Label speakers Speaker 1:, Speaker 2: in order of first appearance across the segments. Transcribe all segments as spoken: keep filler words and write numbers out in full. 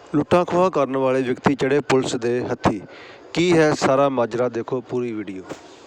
Speaker 1: ਲੁੱਟਾਂ ਖੋਹਾਂ ਕਰਨ ਵਾਲੇ ਵਿਅਕਤੀ ਚੜ੍ਹੇ ਪੁਲਿਸ ਦੇ ਹੱਥੀਂ। ਕੀ ਹੈ ਸਾਰਾ ਮਾਜਰਾ, ਦੇਖੋ ਪੂਰੀ ਵੀਡੀਓ।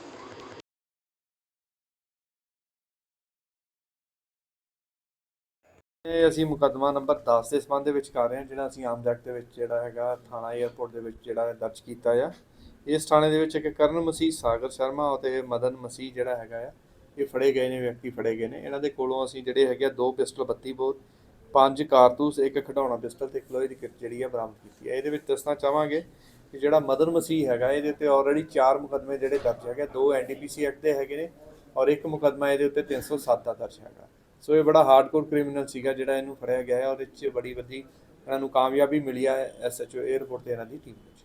Speaker 2: ਇਹ ਅਸੀਂ ਮੁਕੱਦਮਾ ਨੰਬਰ ਦਸ ਦੇ ਸੰਬੰਧ ਦੇ ਵਿੱਚ ਕਰ ਰਹੇ ਹਾਂ, ਜਿਹੜਾ ਅਸੀਂ ਆਮ ਐਕਟ ਦੇ ਵਿੱਚ ਜਿਹੜਾ ਹੈਗਾ ਥਾਣਾ ਏਅਰਪੋਰਟ ਦੇ ਵਿੱਚ ਜਿਹੜਾ ਦਰਜ ਕੀਤਾ ਆ। ਇਸ ਥਾਣੇ ਦੇ ਵਿੱਚ ਇੱਕ ਕਰਨ ਮਸੀਹ, ਸਾਗਰ ਸ਼ਰਮਾ ਅਤੇ ਮਦਨ ਮਸੀਹ ਜਿਹੜਾ ਹੈਗਾ ਆ, ਇਹ ਫੜੇ ਗਏ ਨੇ, ਵਿਅਕਤੀ ਫੜੇ ਗਏ ਨੇ। ਇਹਨਾਂ ਦੇ ਕੋਲੋਂ ਅਸੀਂ ਜਿਹੜੇ ਹੈਗੇ ਆ ਦੋ ਪਿਸਟਲ, ਬੱਤੀ ਬੋਰ, ਪੰਜ ਕਾਰਤੂਸ, ਇੱਕ ਖਿਡੌਣਾ ਪਿਸਟਲ ਤੇ ਇੱਕ ਲੋਹੇ ਦੀ ਕਿਰਚ ਜਿਹੜੀ ਆ ਬਰਾਮਦ ਕੀਤੀ ਹੈ। ਇਹਦੇ ਵਿੱਚ ਦੱਸਣਾ ਚਾਹਾਂਗੇ ਕਿ ਜਿਹੜਾ ਮਦਨ ਮਸੀਹ ਹੈਗਾ, ਇਹਦੇ ਉੱਤੇ ਆਲਰੇਡੀ ਚਾਰ ਮੁਕੱਦਮੇ ਜਿਹੜੇ ਦਰਜ ਹੈਗੇ, ਦੋ ਐਨ ਡੀ ਪੀ ਸੀ ਐਕਟ ਦੇ ਹੈਗੇ ਨੇ ਔਰ ਇੱਕ ਮੁਕੱਦਮਾ ਇਹਦੇ ਉੱਤੇ ਤਿੰਨ ਸੌ ਸੱਤ ਦਾ ਦਰਜ ਹੈਗਾ। ਸੋ ਇਹ ਬੜਾ ਹਾਰਡਕੋਰ ਕ੍ਰਿਮੀਨਲ ਸੀਗਾ ਜਿਹੜਾ ਇਹਨੂੰ ਫੜਿਆ ਗਿਆ ਹੈ। ਉਹਦੇ 'ਚ ਬੜੀ ਵੱਡੀ ਇਹਨਾਂ ਨੂੰ ਕਾਮਯਾਬੀ ਮਿਲੀ ਹੈ ਐਸ ਐਚ ਓ ਏਅਰਪੋਰਟ 'ਤੇ ਇਹਨਾਂ ਦੀ ਟੀਮ ਵਿੱਚ।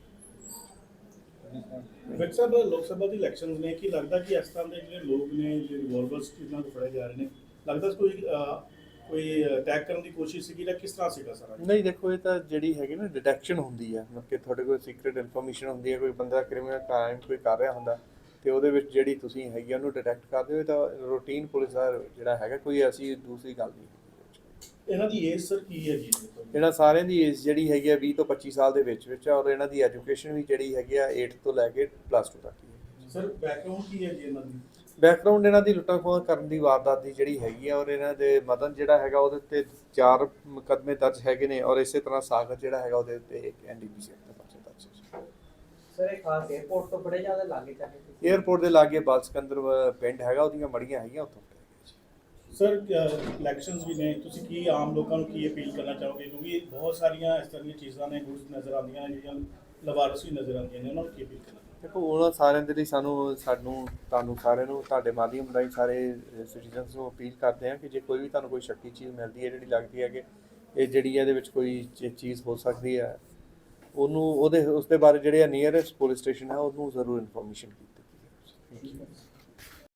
Speaker 3: ਵਿਕ ਸਾਹਿਬ, ਲੋਕ ਸਭਾ ਦੀ ਇਲੈਕਸ਼ਨਸ ਨੇ, ਕੀ ਲੱਗਦਾ ਕਿ ਇਸ ਤਰ੍ਹਾਂ ਦੇ ਜਿਹੜੇ ਲੋਕ ਨੇ ਜਿਹੜੇ ਰਿਵੋਲਵਰਸ ਇਹਨਾਂ ਤੋਂ ਫੜੇ ਜਾ ਰਹੇ ਨੇ, ਲੱਗਦਾ ਕੋਈ ਕੋਈ ਅਟੈਕ ਕਰਨ ਦੀ ਕੋਸ਼ਿਸ਼ ਸੀਗੀ ਜਾਂ ਕਿਸ ਤਰ੍ਹਾਂ ਸੀਗਾ ਸਾਰਾ?
Speaker 2: ਨਹੀਂ, ਦੇਖੋ ਇਹ ਤਾਂ ਜਿਹੜੀ ਹੈਗੀ ਨਾ ਡਿਟੈਕਸ਼ਨ ਹੁੰਦੀ ਹੈ, ਮਤਲਬ ਕਿ ਤੁਹਾਡੇ ਕੋਲ ਸੀਕ੍ਰੀਟ ਇਨਫੋਰਮੇਸ਼ਨ ਹੁੰਦੀ ਹੈ, ਕੋਈ ਬੰਦਾ ਕ੍ਰਿਮੀਨਲ ਕ੍ਰਾਈਮ ਕੋਈ ਕਰ ਰਿਹਾ ਹੁੰਦਾ ਅਤੇ ਉਹਦੇ ਵਿੱਚ ਜਿਹੜੀ ਤੁਸੀਂ ਹੈਗੀ ਉਹਨੂੰ ਡਿਟੈਕਟ ਕਰਦੇ ਹੋ, ਤਾਂ ਰੂਟੀਨ ਪੁਲਿਸ ਦਾ ਜਿਹੜਾ ਹੈਗਾ, ਕੋਈ ਐਸੀ ਦੂਸਰੀ ਗੱਲ ਨਹੀਂ।
Speaker 3: ਇਹਨਾਂ ਦੀ ਏਜ ਸਰ ਕੀ ਹੈ ਜੀ?
Speaker 2: ਇਹਨਾਂ ਸਾਰਿਆਂ ਦੀ ਏਜ ਜਿਹੜੀ ਹੈਗੀ ਆ ਵੀਹ ਤੋਂ ਪੱਚੀ ਸਾਲ ਦੇ ਵਿੱਚ ਵਿੱਚ, ਔਰ ਇਹਨਾਂ ਦੀ ਐਜੂਕੇਸ਼ਨ ਵੀ ਜਿਹੜੀ ਹੈਗੀ ਆ ਏਟ ਤੋਂ ਲੈ ਕੇ ਪਲੱਸ ਟੂ ਤੱਕ ਹੀ ਹੈ।
Speaker 3: ਸਰ ਬੈਕਗ੍ਰਾਉਂਡ ਕੀ ਹੈ ਜੀ ਇਹਨਾਂ ਦੀ?
Speaker 2: ਬੈਕਗਰਾਊਂਡ ਇਹਨਾਂ ਦੀ ਲੁੱਟਾਂ ਖੋਹਾਂ ਕਰਨ ਦੀ ਵਾਰਦਾਤ ਦੀ ਜਿਹੜੀ ਹੈਗੀ ਆ, ਔਰ ਇਹਨਾਂ ਦੇ ਮਦਨ ਜਿਹੜਾ ਹੈਗਾ ਉਹਦੇ ਉੱਤੇ ਚਾਰ ਮੁਕੱਦਮੇ ਦਰਜ ਹੈਗੇ ਨੇ, ਔਰ ਇਸੇ ਤਰ੍ਹਾਂ ਸਾਗਰ ਜਿਹੜਾ ਹੈਗਾ ਉਹਦੇ ਉੱਤੇ ਇੱਕ ਐਨ ਡੀ ਪੀ ਸੀ ਐਕਟ ਦਾ ਪਰਚਾ ਦਰਜ ਹੈ।
Speaker 4: ਸਰ ਇਹ ਖਾਸ ਏਅਰਪੋਰਟ ਤੋਂ ਬੜੇ ਜ਼ਿਆਦਾ ਲਾਗੇ ਚਾਹੇ
Speaker 2: ਏਅਰਪੋਰਟ ਦੇ ਲਾਗੇ ਬਲ ਸਿਕੰਦਰ ਪਿੰਡ ਹੈਗਾ, ਉਹਦੀਆਂ ਮੜੀਆਂ ਹੈਗੀਆਂ ਉੱਥੋਂ।
Speaker 3: ਸਰ ਇਲੈਕਸ਼ਨਸ ਵੀ ਨੇ, ਤੁਸੀਂ ਕੀ ਆਮ ਲੋਕਾਂ ਨੂੰ ਕੀ ਅਪੀਲ ਕਰਨਾ ਚਾਹੋਗੇ? ਕਿਉਂਕਿ ਬਹੁਤ ਸਾਰੀਆਂ ਇਸ ਤਰ੍ਹਾਂ ਦੀਆਂ ਚੀਜ਼ਾਂ ਨੇ, ਗੁੱਡਸ ਨਜ਼ਰ ਆਉਂਦੀਆਂ ਨੇ ਜਿਹੜੀਆਂ ਲਵਾਰਸ ਵੀ ਨਜ਼ਰ ਆਉਂਦੀਆਂ ਨੇ, ਉਹਨਾਂ ਨੂੰ ਕੀ ਅਪੀਲ ਕਰਨਾ?
Speaker 2: ਦੇਖੋ ਉਹਨਾਂ ਸਾਰਿਆਂ ਦੇ ਲਈ ਸਾਨੂੰ ਸਾਨੂੰ ਤੁਹਾਨੂੰ ਸਾਰਿਆਂ ਨੂੰ ਤੁਹਾਡੇ ਮਾਧਿਅਮ ਰਾਹੀਂ ਸਾਰੇ ਸਿਟੀਜ਼ਨਸ ਨੂੰ ਅਪੀਲ ਕਰਦੇ ਹਾਂ ਕਿ ਜੇ ਕੋਈ ਵੀ ਤੁਹਾਨੂੰ ਕੋਈ ਸ਼ੱਕੀ ਚੀਜ਼ ਮਿਲਦੀ ਹੈ, ਜਿਹੜੀ ਲੱਗਦੀ ਹੈ ਕਿ ਇਹ ਜਿਹੜੀ ਇਹਦੇ ਵਿੱਚ ਕੋਈ ਚੀਜ਼ ਹੋ ਸਕਦੀ ਹੈ, ਉਹਨੂੰ ਉਹਦੇ ਉਸ ਦੇ ਬਾਰੇ ਜਿਹੜੇ ਆ ਨੀਅਰੈਸਟ ਪੁਲਿਸ ਸਟੇਸ਼ਨ ਹੈ ਉਹਨੂੰ ਜ਼ਰੂਰ ਇਨਫੋਰਮੇਸ਼ਨ ਕੀਤੀ।